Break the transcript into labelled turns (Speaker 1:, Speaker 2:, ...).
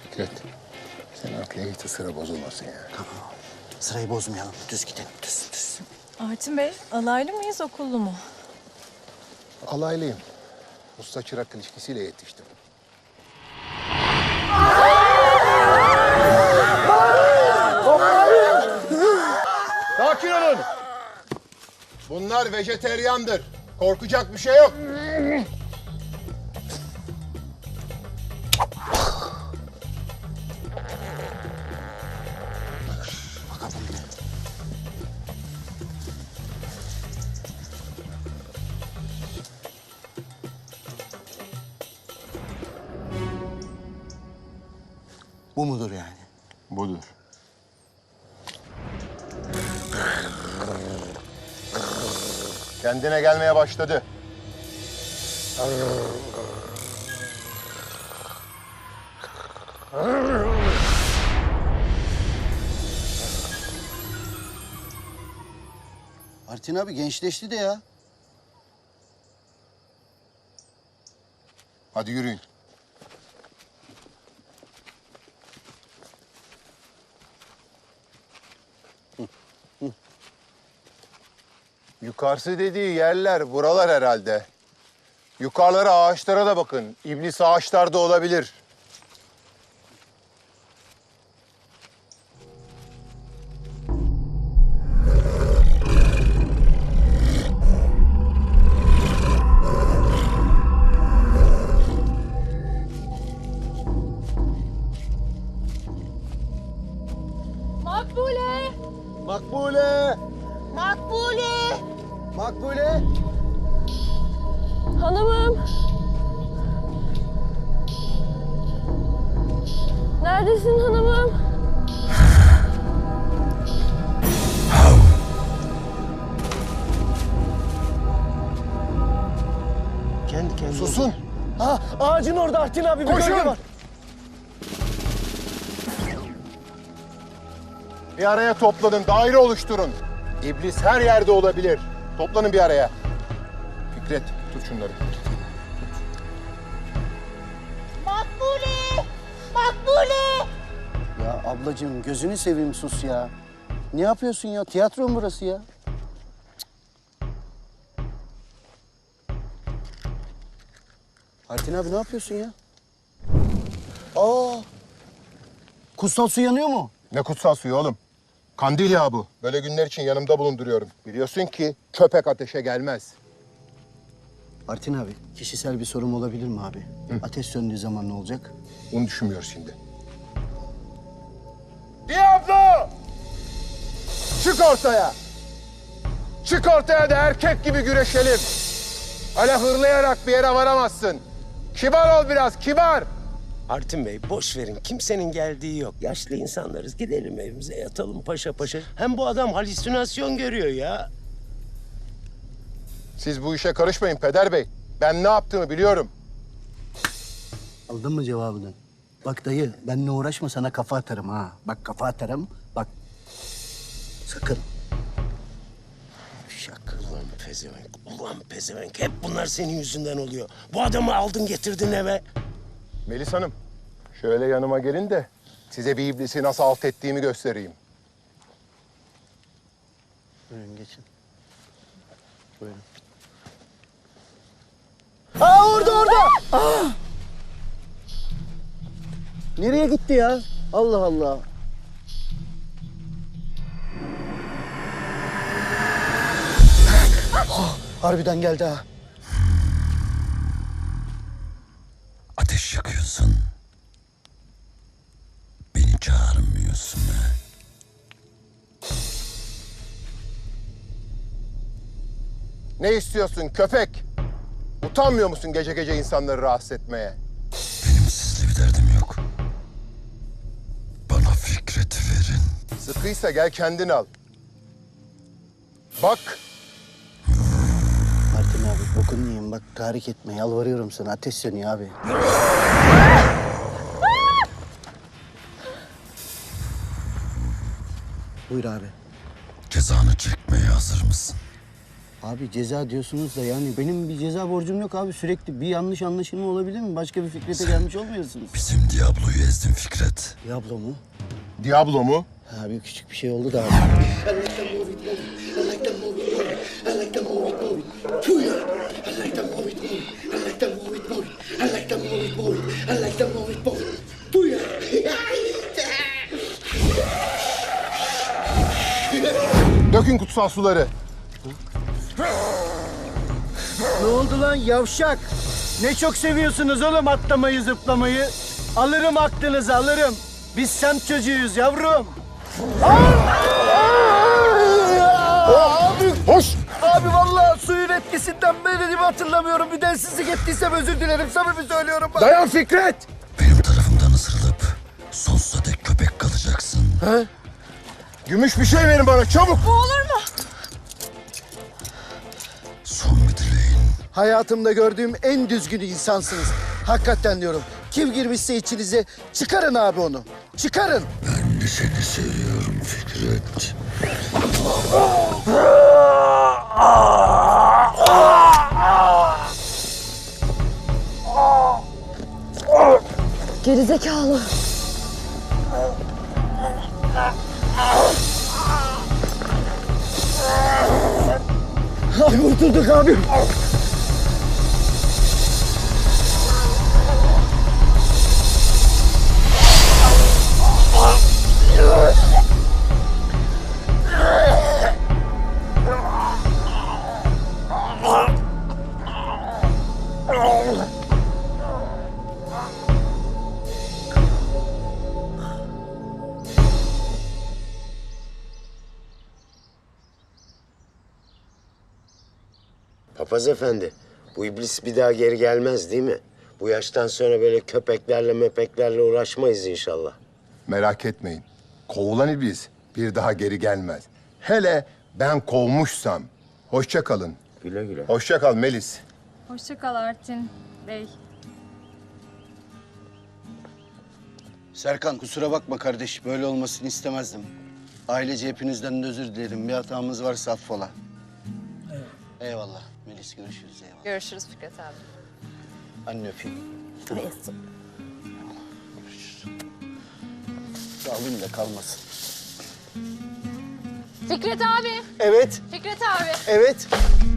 Speaker 1: Fikret, sen arkaya git de sıra bozulmasın ya.
Speaker 2: Tamam. Sırayı bozmayalım. Düz gidelim. Düz.
Speaker 3: Artin Bey, alaylı mıyız, okullu mu?
Speaker 1: Alaylıyım. Usta çırak ilişkisiyle yetiştim. Sakin olun. Bunlar vejeteryandır. Korkacak bir şey yok.
Speaker 2: Bakalım bir de. Bu mudur yani?
Speaker 1: Budur. Kendine gelmeye başladı.
Speaker 2: Artin abi gençleşti de ya.
Speaker 1: Hadi yürüyün. Yukarısı dediği yerler buralar herhalde. Yukarılara ağaçlara da bakın. İblis ağaçlarda olabilir.
Speaker 3: Makbule!
Speaker 1: Makbule!
Speaker 3: Makbule!
Speaker 1: Makbule!
Speaker 3: Hanımım! Neredesin hanımım?
Speaker 2: Kendi kendine.
Speaker 1: Susun!
Speaker 2: Ha, ağacın orada Artin abi. Bir
Speaker 1: Koşun!
Speaker 2: gölge var.
Speaker 1: Bir araya toplanın, daire oluşturun. İblis her yerde olabilir. Toplanın bir araya. Fikret, tut şunları.
Speaker 4: Makbule! Makbule!
Speaker 2: Ya ablacığım gözünü seveyim sus ya. Ne yapıyorsun ya? Tiyatro mu burası ya? Artin abi ne yapıyorsun ya? Aa! Kutsal su yanıyor mu?
Speaker 1: Ne kutsal suyu oğlum? Kandil yağı bu. Böyle günler için yanımda bulunduruyorum. Biliyorsun ki köpek ateşe gelmez.
Speaker 2: Artin abi, kişisel bir sorum olabilir mi abi? Ateş söndüğü zaman ne olacak?
Speaker 1: Bunu düşünmüyoruz şimdi. Diablo! Çık ortaya! Çık ortaya da erkek gibi güreşelim. Öyle hırlayarak bir yere varamazsın. Kibar ol biraz, kibar.
Speaker 5: Artin Bey boş verin. Kimsenin geldiği yok. Yaşlı insanlarız. Gidelim evimize yatalım paşa paşa. Hem bu adam halüsinasyon görüyor ya.
Speaker 1: Siz bu işe karışmayın Peder Bey. Ben ne yaptığımı biliyorum.
Speaker 2: Aldın mı cevabını? Bak dayı, benimle uğraşma sana kafa atarım ha. Bak kafa atarım, bak. Sakın. Şak.
Speaker 5: Ulan pezevenk, ulan pezevenk. Hep bunlar senin yüzünden oluyor. Bu adamı aldın getirdin eve.
Speaker 1: Melis Hanım, şöyle yanıma gelin de size bir iblisi nasıl alt ettiğimi göstereyim.
Speaker 2: Buyurun geçin. Buyurun. Aa orada! Aa! Nereye gitti ya? Allah Allah. Ah, harbiden geldi ha.
Speaker 6: Ateş yakıyorsun. Beni çağırmıyorsun ha.
Speaker 1: Ne istiyorsun köpek? Utanmıyor musun gece gece insanları rahatsız etmeye?
Speaker 6: Benim sizle bir derdim yok. Bana Fikret'i verin.
Speaker 1: Sıkıysa gel kendin al. Bak,
Speaker 2: Artin abi bokunu yiyeyim bak tahrik etme yalvarıyorum sana ateş sönüyor abi. Buyur abi.
Speaker 6: Cezanı çekmeye hazır mısın?
Speaker 2: Abi ceza diyorsunuz da yani benim bir ceza borcum yok abi. Sürekli bir yanlış anlaşılma olabilir mi? Başka bir Fikret'e gelmiş olmuyorsunuz.
Speaker 6: Bizim Diablo'yu ezdin Fikret.
Speaker 2: Diablo mu?
Speaker 1: Diablo mu?
Speaker 2: Abi küçük bir şey oldu da abi.
Speaker 1: Dökün kutsal suları.
Speaker 2: Ne oldu lan yavşak? Ne çok seviyorsunuz oğlum atlamayı zıplamayı. Alırım aklınızı alırım. Biz semt çocuğuyuz yavrum. Abi
Speaker 1: Hoş!
Speaker 2: Abi vallahi suyun etkisinden beni hatırlamıyorum. Bir densizlik ettiysem özür dilerim. Samimi söylüyorum. Bak.
Speaker 1: Dayan Fikret!
Speaker 6: Benim tarafımdan ısırılıp sonsuza dek köpek kalacaksın.
Speaker 1: Gümüş bir şey verin bana çabuk!
Speaker 6: Son bir dileğin.
Speaker 2: Hayatımda gördüğüm en düzgün insansınız. Hakikaten diyorum. Kim girmişse içinize çıkarın abi onu. Çıkarın.
Speaker 6: Ben de seni seviyorum Fikret.
Speaker 3: Gerizekalı.
Speaker 2: Kurtulduk abi.
Speaker 5: Papaz efendi, bu iblis bir daha geri gelmez değil mi? Bu yaştan sonra böyle köpeklerle möpeklerle uğraşmayız inşallah.
Speaker 1: Merak etmeyin. Kovulan iblis bir daha geri gelmez. Hele ben kovmuşsam. Hoşça kalın.
Speaker 5: Güle güle.
Speaker 1: Hoşça kal Melis.
Speaker 3: Hoşça kal Artin Bey.
Speaker 2: Serkan kusura bakma kardeş. Böyle olmasını istemezdim. Ailece hepinizden de özür dilerim. Bir hatamız varsa affola. Eyvallah. Melis görüşürüz eyvallah.
Speaker 3: Görüşürüz Fikret abi.
Speaker 2: Anne öpeyim. Alayım da kalmasın.
Speaker 3: Fikret abi.
Speaker 2: Evet,
Speaker 3: Fikret abi.
Speaker 2: evet.